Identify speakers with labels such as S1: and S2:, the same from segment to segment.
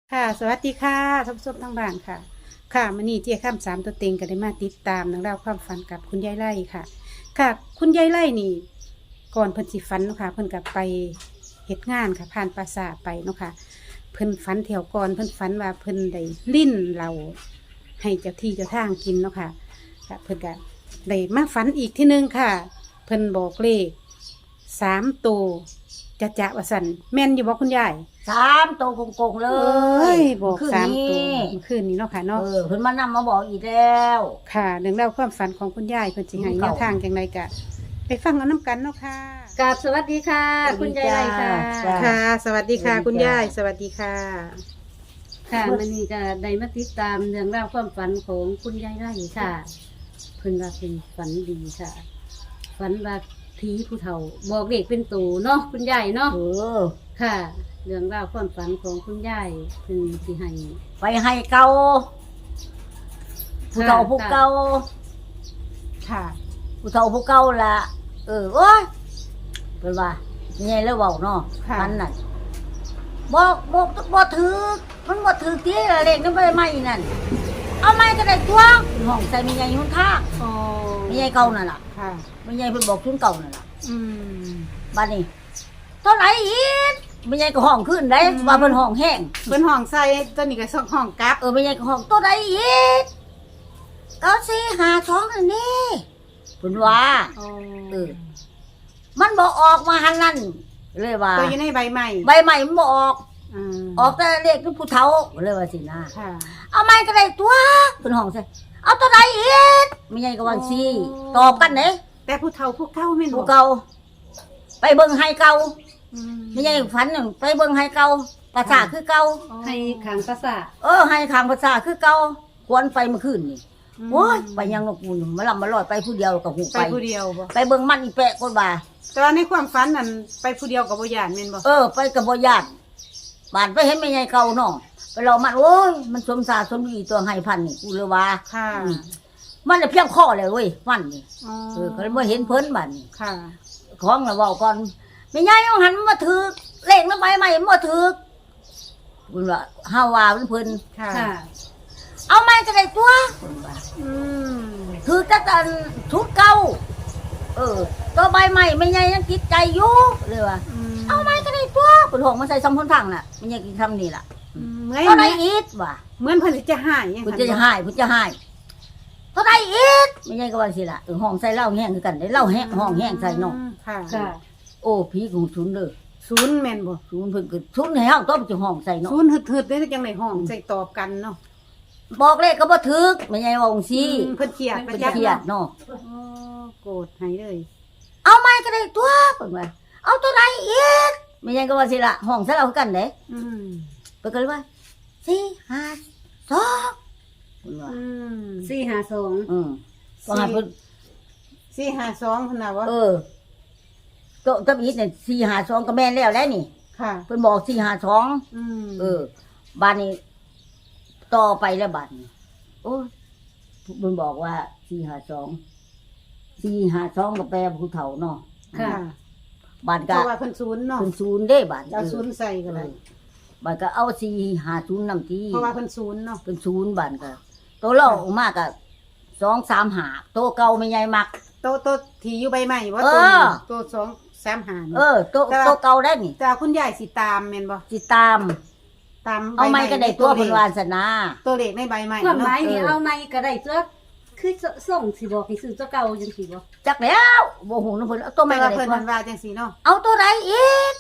S1: ค่ะสวัสดีค่ะท่านผู้ชมทั้งบ้านค่ะค่ะมื้อนี้เจี๊ยข้ามสามตัวเต็งก็ได้มาติดตามเรื่องราวความฝันกับคุณยายไล่ค่ะ ค่ะคุณยายไล่นี่ก่อนเพิ่นสิฝันเนาะค่ะเพิ่นก็ไปเฮ็ดงานค่ะผ่านปราสาทไปเนาะค่ะเพิ่นฝันแถวก่อนเพิ่นฝันว่าเพิ่นได้ลิ้นเราให้เจ้าที่เจ้าทางกินเนาะค่ะค่ะเพิ่นก็ได้มาฝันอีกที่นึงค่ะ เพิ่นบอกเลข3 ตัวจะว่าสั่นแม่นอยู่บ่คุณยาย
S2: 3 ตัวโกงๆเล
S1: เอ้ยบอก
S2: คืน
S1: 3 ตัว
S2: นี้
S1: เมื่อคืนนี้เนาะค่ะเนาะ
S2: เพิ่นมานำมาบอกอีกแล้ว
S1: ค่ะเรื่องเล่าวความฝันของคุณยายเพิ่นสิให้แนวทางจังไดกะ ไปฟังเอาน้ำกันเนาะค่ะ
S3: กราบสวัสดีค่ะ คุณยายไรค่ะ
S2: จ้า
S1: ค่ะ สวัสดีค่ะ
S2: สวัสดี
S1: คุณยาย
S2: จ้า
S1: สวัสดีค่ะ
S3: ค่ะมันนี่ก็ได้มาติดตามเรื่องราวความฝันของคุณยายไรค่ะ เพิ่นว่าเป็นฝันดีค่ะ ฝันว่าผีผู้เฒ่า บอกเด็กเป็นตูเนาะคุณยายเนาะค่ะ เรื่องราวความฝันของคุณยายเพิ่นสิให้
S2: ไปให้เก่าผู้เฒ่าผู้เก่า
S1: ค่ะ
S2: ผู้เฒ่าผู้เก่าล่ะโอ้ยเพิ่นว่าไงแล้วเว้าเนาะ
S1: ค่ะ
S2: มันน่ะบ่ถือมันบ่ถือที่เลขนั้นบ่ได้ใหม่นั่นเอาใหม่ก็ได้ตัวห้องใส่มีใหญ่หุ่นท่า
S1: อ๋อ
S2: มีใหญ่เก่านั่นล่ะ
S1: ค่ะ
S2: มีใหญ่เพิ่นบอกชุนเก่านั่นล่ะ
S1: อืม
S2: บัดนี้เท่าไหร่อีกไม่ใช่ก็ห้องขึ้นได้ว่าเพิ่นห้องแห้ง
S1: เพิ่นห้องใส่ตัวนี้ก็ส่งห้องกลับ
S2: ไม่ใช่ก็ห้องตัวใดอีก9452อันนี้เพิ่นว่า
S1: อ๋อ
S2: เออ มันบ่ออกมาหันนั่นเลยว่า
S1: ตัวอยู่ในใบใหม่
S2: ใบใหม่มันบ่ออก
S1: อืม
S2: ออกแต่เลขผู้เฒ่าเลยว่าสินะ
S1: ค่ะ
S2: เอาใหม่ก็ได้ตัวเพิ่นห้องใส่เอาตัวใดอีกไม่ใช่ก็ว่าสิตอบกันเด้
S1: แต่ผู้เฒ่าผู้เก่าแม่นบ่
S2: ผู้เก่าไปเบิ่งให้เก่า
S1: อืม
S2: ไม่ใช่ฝันนั่นไปเบิ่งให้เก่าภาษาคือเก่า
S3: ให้ขังประสาท
S2: ให้ข้างภาษาคือเก่าควรไปเมื่อคืนนี่โอ้ยไปยังนกปูนมาลำมาลอยไปผู้เดียวกับหู
S1: ไป
S2: ไป
S1: ผู้เดียวบ่
S2: ไปเบิ่งมันอีแปะคนว่า
S1: แต่ว่าในความฝันนั่นไปผู้เดียวกับบ่ย่านแม่นบ่
S2: ไปกับบ่ญาติบ้านไปเห็นแม่ใหญ่เก่าน้องไปรอมันโอ้ยมันสมสารสมดีตัวให้พันนี่กูเลยว่า
S1: ค่ะ
S2: มันน่ะเพียงข้อเลยเว้ยมันนี่
S1: อ๋อ
S2: ก็เลยบ่เห็นเพิ่นบัดนี้
S1: ค่ะ
S2: ของน่ะเว้าก่อนแม่ใหญ่เอาหันมาถือเลขมันไปใหม่มันบ่ถือเพิ่นว่าเฮาว่าเพิ่น
S1: ค่ะ
S3: ค่ะ
S2: เอาใหม่ก็ได้ตัวเพิ่นว่า
S1: อืม
S2: คือจะตันชุดเก่าตัวใบใหม่ไม่ใหญ่ยังติดใจอยู่เลยว่าเอาไม้ก็ได้ตัวปวดหัวมาใส่ซองพ้นพังน่ะไม่ใช่กินคำนี่ล่ะ
S1: เหมือน
S2: เท่าไรอีกว่ะ
S1: เหมือนเพิ่นสิจะหายยัง
S2: พุทธจะหายพุทธจะหายเท่าไรอีกไม่ใช่ก็ว่าสิล่ะห้องใส่เหล้าแห้งคือกันได้เหล้าแห้งห้องแห้งใส่เนาะ
S1: ค่ะ
S3: ค่ะ
S2: โอ้ผีของชุนเลย
S1: ศูนย์แม่นบ่
S2: ชุนเพิ่นก็ชุนให้เฮาต้องจะห้องใส่เนาะ
S1: ศูนย์หึดๆได้จังได๋ห้องใส่ตอบกันเนาะ
S2: บอกเลขก็บ่ถึกไม่ใช่ว่าองค์ซี
S1: เพิ่นเครียดประ
S2: เพิ่น
S1: จัก
S2: เครียดเนาะ
S1: โอ้โกรธให้เลย
S2: เอาไม้ก็ได้ตัวเพิ่นว่าเอาตัวใดอีกไม่ใช่ก็ว่าสิล่ะห้องใส่เหล้าคือกันเด้
S1: อืม
S2: เปิดกันเลยว่า452คุณว่า
S1: อืม
S3: 452
S2: ว่าให้เพิ่น
S1: 452เพิ่นน่ะบ่
S2: โตะตะบีเนี่ย452ก็แม่นแล้วนี่
S1: ค่ะ
S2: เพิ่นบอก452
S1: อืม
S2: บ้านนี้ต่อไปแล้วบัดนี้โอ้ยเพิ่นบอกว่า452ก็แปลว่าผู้เฒ่าเนาะ
S3: ค่ะ
S2: บ้าน
S1: เพ
S2: ก็
S1: ราะว่าเพิ่นศูนย์เนาะ
S2: เพิ่นศูนย์เด้บัด
S1: เอาศูนย์ใส่ก็ได้
S2: บ้านก็เอา450นำที่
S1: เพราะว่าเพิ่นศูนย์เนาะ
S2: เพิ่นศูนย์บ้านก็โตเล่าออกมาก็235โตเก่าไม่ใหญ่มัก
S1: โตที่อยู่ใบใหม่บ่
S2: เอ
S1: ตัว
S2: อ
S1: นี้ตัว235นี่
S2: โตเก่าได้นี่
S1: แต่ว่าคุณยายสิตามแม่นบ่
S2: สิตาม
S1: ตาม
S2: เอาไม้ก็ได้ตัวเพิ่นวาสนา
S1: ตัวเลขในใบใหม่
S3: ความหมาย
S1: เนาะ
S3: นี่เอาไม้ก็ได้ตัวคือส่งสิบอกให้ซื้อเจ้าเก่าจังสิบ่
S2: จักแล้วบ่ฮู้นำเพิ่นเอาตัว
S1: แต่
S2: ไม้ก็
S1: ว่า
S2: ได้
S1: เพิ่น
S2: ตัว
S1: มันว่าจังซี่เนาะ
S2: เอาตัวใดอีก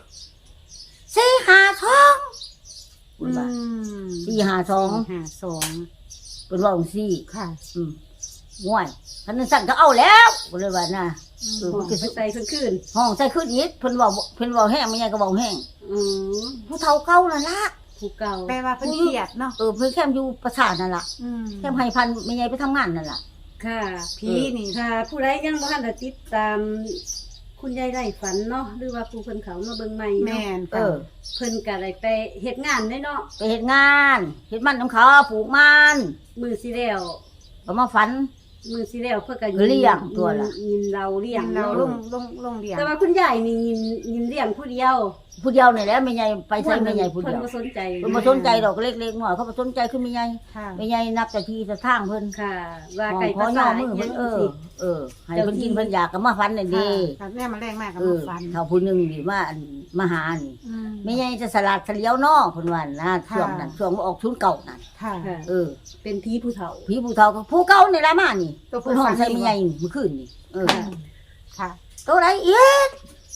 S2: 452
S1: อื
S2: เพิ่นว่าม 452
S1: 52
S2: เพิ่นว่าจังซี่
S1: ค่ะ
S2: ห่วยคันนั้นสั่นก็เอาแล้วเพิ่นเลยว่าน่ะ
S3: บอกไปใส่เพิ่นคืน
S2: ห้องใส่ขึ้นอีกเพิ่นเว้าแห้งไม่ใหญ่ก็เว้าแห้ง
S3: อืม
S2: ผู้เฒ่าเก่านั่นล่ะ
S3: ผู้เก่า
S1: แปลว่าเพิ่นเครียดเนาะ
S2: เพิ่นแคมอยู่ประสาทนั่นล่ะ
S1: อืม
S2: แคมให้พันไม่ใหญ่ไปทำงานนั่นล่ะ
S3: ค่ะ
S1: ผีนี่
S3: ค่ะผู้ใดยังบ่ทันได้ติดตาม คุณยายไร่ฝันเนาะหรือว่าผู้เพิ่นเขามาเบิ่งใหม่
S1: แม่
S3: เนาะ
S1: นค่ะ
S3: เพิ่นก็ได้ไปเฮ็ดงานได้เนาะ
S2: ไปเฮ็ดงานเฮ็ดมันน้ำเขาปลูกมัน
S3: มือสิแล้ว
S2: ก็มาฝัน
S3: มือสิแล้วเพื่อกัน
S2: เลี้ยงตัวละ
S3: ยินเราเลี้ยง
S1: เรา
S3: เนาะ
S1: ลงเรียน
S3: แต่ว่าคุณยายนี่ยินเลี้ยงผู้เดียว
S2: ผู้เดียวนี่แหละแม่ใหญ่ไปใช้แม่ใหญ่ผู้เดียว
S3: เพิ่นบ่สนใจ
S2: เพิ่นบ่สนใจดอกเล็กๆน้อยเขาบ่สนใจคือแม่ใหญ่
S1: ค่ะ
S2: แม่ใหญ่นับแต่ทีแต่ทางเพิ่น
S3: ค่ะ ว่า
S2: ของ
S3: ไก่
S2: ขอ
S3: ภา
S2: ย่อ
S3: ษา
S2: มือเพิ่น
S3: จังซี่
S2: ให้เพิ่นกินเพิ่นอยากก็มาฟันนั่นดี
S1: ค่ะแม่มาแรงมากกับ
S2: เอ
S1: มา
S2: อ
S1: ฟัน
S2: เท่าผู้หนึงนี่มาหานี่
S1: อืม
S2: แม่ใหญ่จะสลัดเฉลียวน้อเพิ่นว่านะช่วงนั้นช่วงออกชุนเก่านั่น
S1: ค่ะ
S3: ค่ะ
S2: เออ
S3: เป็นผีผู้เฒ่า
S2: ผีผู้เฒ่าก็ผู้เก่านี่ล่ะมานี่
S1: ตัวผู้
S2: เพิ่นห้อง
S1: ฟัน
S2: ใส่
S1: นี่
S2: แม่ใหญ่นี่เมื่อคืนนี่เออ
S1: ค่ะ
S2: ตัวใดอีก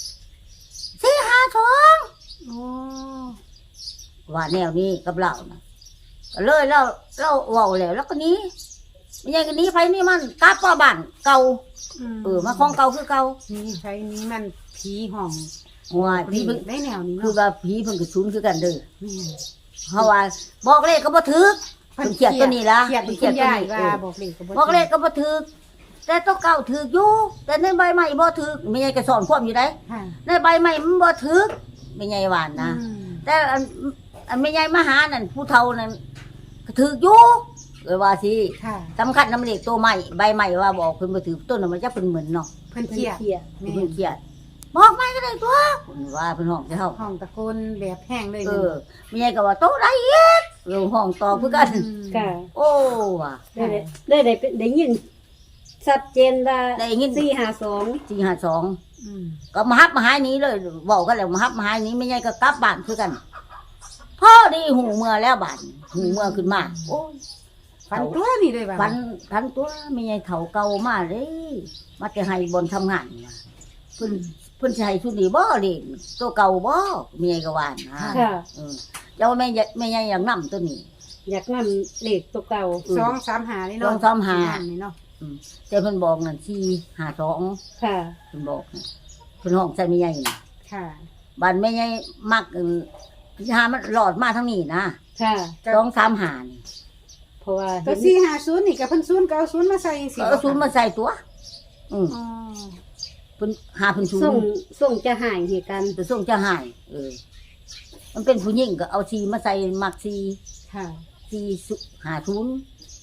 S2: 452
S1: โอ้
S2: ว่าแนวนี้กับเรานะก็เลยเราเว้าแล้วก็หนี้ไม่ใช่ก็หนี้ไผนี่มันกลับมาบ้านเก่ามาของเก่าคือเก่า
S1: นี่ใช้นี้มันผีห้อง
S2: ว่า
S1: ผี
S2: พี่เพิ่น
S1: ได้แนวนี้
S2: คือ
S1: เนาะ
S2: ว่าผีเพิ่นก็สูญคือกันเด้อ
S1: แม่
S2: เพราะว่าบอกเลขก็บ่ถูกเพิ่นเขียดตัวนี้ล่ะ
S1: เขียด
S2: เพิ่น
S1: คุณยาย
S2: ตัว
S1: ว่า
S2: นี้
S1: บอกเลขก็
S2: บอกเลขก็บ่ถูกแต่ตัวเก่าถูกอยู่แต่ในใบใหม่บ่ถูกไม่ใช่ก็สอนความอยู่ได้
S1: ค่ะ
S2: ในใบใหม่มันบ่ถูกไม่ใช่หวานนะ
S1: อืม
S2: แต่อันไม่ใช่มาหานั่นผู้เฒ่านั่นก็ถูกอยู่ว่าสิ
S1: ค่ะ
S2: สำคัญน้ำเหล็กตัวใหม่ใบใหม่ว่าบอกเพิ่นบ่ถือต้นน่ะมันจะเป็นเหมือนเนาะ
S1: เพิ่นเขียด
S3: เขียด
S1: แม่
S2: เพิ่นเครียดบอกไม่ก็ได้ตัวเพิ่นว่าเพิ่นห้องจะเฮา
S1: ห้องตะโกนแบบแห้งเลย
S2: แม่ก็ว่าโตได้อีกเรื่องห้องต่อคือกัน
S3: ค่ะ
S2: โอ้ว่ะ
S3: ได้ยินชัดเจนว่า
S2: ได้ยิน
S3: 452
S2: 452
S1: อืม
S2: ก็มาฮับมาหายนี้เลยบอกกันแล้วมาฮับมาหายนี้ไม่ใช่ก็กลับบ้านคือกันพ่อดีหูเมื่อแล้วบ้านหูเมื่อขึ้นมาโอ้ย
S1: ฟันตัวนี่เลยว่ะ
S2: พันตัวไม่ใช่เฒ่าเก่ามาเลยมาแต่ให้บนทำงานนี่ว่ะเพิ่นสิให้ชุดนี้บ่เด้ตัวเก่าบ่แม่ก็ว่านะ
S3: ค่ะ
S2: เจ้าแม่ใหญ่อย่างนำตัวนี้
S3: อยากนำเลขตัวเก่า
S1: 235นี่เนาะ
S2: 235
S1: นี่เนาะ
S2: แต่เพิ่นบอกนั่น452
S3: ค่ะ
S2: เพิ่นบอกนะเพิ่นห้องใส่แม่ใหญ่นี่
S1: ค่ะ
S2: บ้านแม่ใหญ่มักหามันหลอดมาทางนี้นะ
S3: ค่ะ
S2: 235นี่
S3: เพราะว่า
S1: ก็450นี่ก็เพิ่น0ก็เอา0มาใส่จังซี่
S2: เอาศูนย์มาใส่ตัว
S1: อ๋อ
S2: เพิ่นหาเพิ่นศูน
S3: ส่ง
S2: ย์
S3: จะหายเหตุการณ์
S2: จะส่งจะหายมันเป็นผู้หญิงก็เอาชีมาใส่มักชี
S1: ค่ะ
S2: ชีหาศูนย์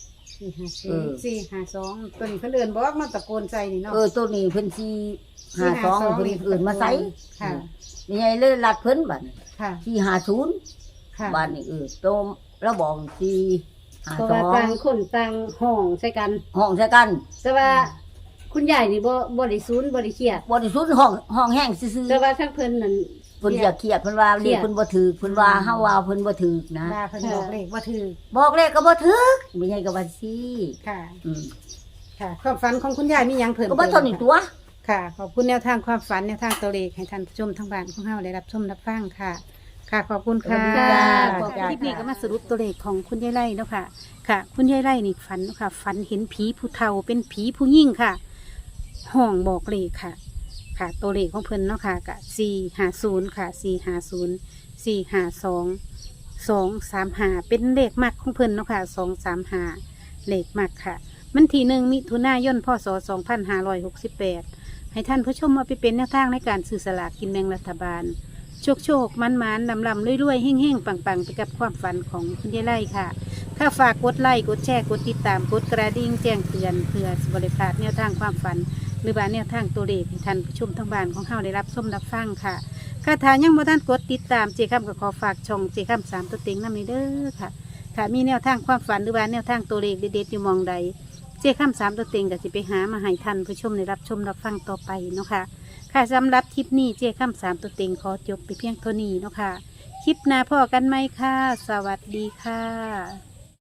S1: 452ตัวนี้เพิ่นเอิ้นบอกมาตะโกนใส่นี่เนาะ
S2: ตัวนี้เพิ่นชี52เพิ่นอื่นมาใส่
S1: ค่ะ
S2: มีไงเลยลัดเพิ่นบัด
S1: ค่ะ
S2: ชีหาศูนย์
S1: ค่ะ
S2: บ้านนี่ตัวแล้วบอกชีหา
S3: เพราะ
S2: ส
S3: ว่า
S2: อง
S3: ต่างคนต่างห้องใส่กัน
S2: ห้องใส่กัน
S3: แต่ว่าคุณยายนี่บ่ได้ศูนย์บ่ได้เครียด
S2: บ่ได้ศูนย์ห้องแห้งซื่อ
S3: แต่ว่าทั้งเพิ่นนั่น
S2: ๆเพิ่นอยากเครียดเพิ่นว่า
S3: เครี
S2: เรีย
S3: ย
S2: ก
S3: ด
S2: เพิ่นบ่ถือเพิ่นว่าเฮาว่าเพิ่นบ่ถือนะ
S1: ว่าเพิ่นบอกเลขว่าถือ
S2: บอกเลขก็บ่ถือไม่ใช่ก็ว่าสิ
S1: ค่ะ
S2: อืม
S1: ค่ะ ความฝันของคุณยายมีหยังเพิ่ม
S2: ก็บ่เท่านี้ตัว
S1: ค่ะ ขอบคุณแนวทางความฝันแนวทางตัวเลขให้ท่านผู้ชมทางบ้านของเฮาได้รับชมรับฟังค่ะ ค่ะ ขอบคุณค่ะ
S2: ขอบคุณค่ะ
S1: คลิปนี้ก็มาสรุปตัวเลขของคุณยายไร่เนาะค่ะ ค่ะ คุณยายไร่นี่ฝันเนาะค่ะ ฝันเห็นผีผู้เฒ่าเป็นผีผู้ยิ่งค่ะ ห้องบอกเลขค่ะ ค่ะ ตัวเลขของเพิ่นเนาะค่ะกะ450ค่ะ450 452 235เป็นเลขมักของเพิ่นเนาะค่ะ235เลขมักค่ะ มันที่1มิถุนายนพศ2568ให้ท่านผู้ชมมาไปเป็นแนวทางในการซื้อสลากกินแบ่งรัฐบาล โชคมันลำรวยๆเฮ่งๆปังๆไปกับความฝันของคุณยายไร่ค่ะ ถ้าฝากกดไลค์กดแชร์กดติดตามกดกระดิ่งแจ้งเตือนเพื่อสิบริพลาดแนวทางความฝัน หรือว่าแนวทางตัวเลขให้ท่านผู้ชมทางบ้านของเฮาได้รับชมรับฟังค่ะค่ะถ้ายังบ่ทันกดติดตามเจคำก็ขอฝากช่องเจคำ3ตัวเต็งนำนี้เด้อค่ะค่ะมีแนวทางความฝันหรือว่าแนวทางตัวเลขเด็ดๆอยู่หมองใดเจคำ3ตัวเต็งก็สิไปหามาให้ท่านผู้ชมได้รับชมรับฟังต่อไปเนาะค่ะค่ะสำหรับคลิปนี้เจคำ3ตัวเต็งขอจบไปเพียงเท่านี้เนาะค่ะคลิปหน้าพ่อกันไหมค่ะ สวัสดีค่ะ